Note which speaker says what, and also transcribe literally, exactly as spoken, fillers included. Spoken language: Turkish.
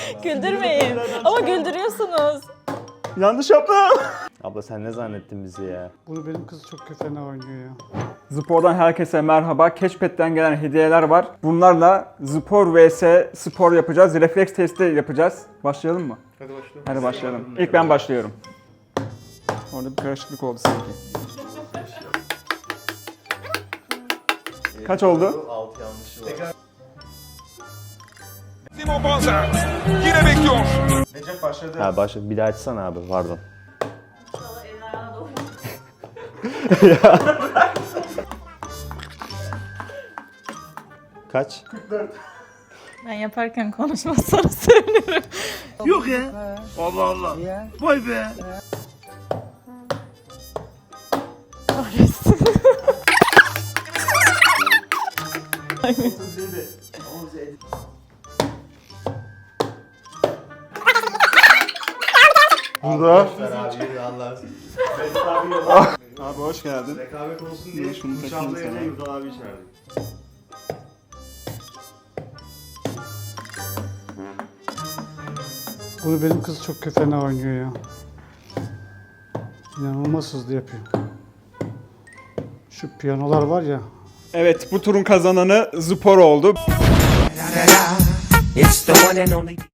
Speaker 1: Güldürmeyin. Ama güldürüyorsunuz.
Speaker 2: Yanlış yaptım. Abla sen ne zannettin bizi ya?
Speaker 3: Bunu benim kız çok fena oynuyor ya.
Speaker 4: Spor'dan herkese merhaba. Cashpad'den gelen hediyeler var. Bunlarla spor vs spor yapacağız. Refleks testi yapacağız. Başlayalım mı?
Speaker 2: Hadi başlayalım.
Speaker 4: Hadi başlayalım. İlk ben başlıyorum. Orada bir karışıklık oldu sanki. Kaç oldu?
Speaker 2: altı yanlışı var.
Speaker 5: Simon Banza yine bekliyor.
Speaker 2: Recep başladı. Ha başladı. Bir daha açsana abi. Pardon. Kaç?
Speaker 1: Ben yaparken konuşmazsanız sevinirim.
Speaker 5: Yok ya. Allah Allah. Vay be.
Speaker 1: Kahretsin.
Speaker 2: Burada.
Speaker 4: Abi hoş geldin.
Speaker 2: Rekabet olsun diye
Speaker 4: Şunu takayım sana.
Speaker 2: Yurdal abi içerdik.
Speaker 3: Bunu benim kız çok fena oynuyor ya. İnanılmaz hızlı yapıyor. Şu piyanolar var ya.
Speaker 4: Evet, bu turun kazananı Spor oldu.
Speaker 6: It's the one and only.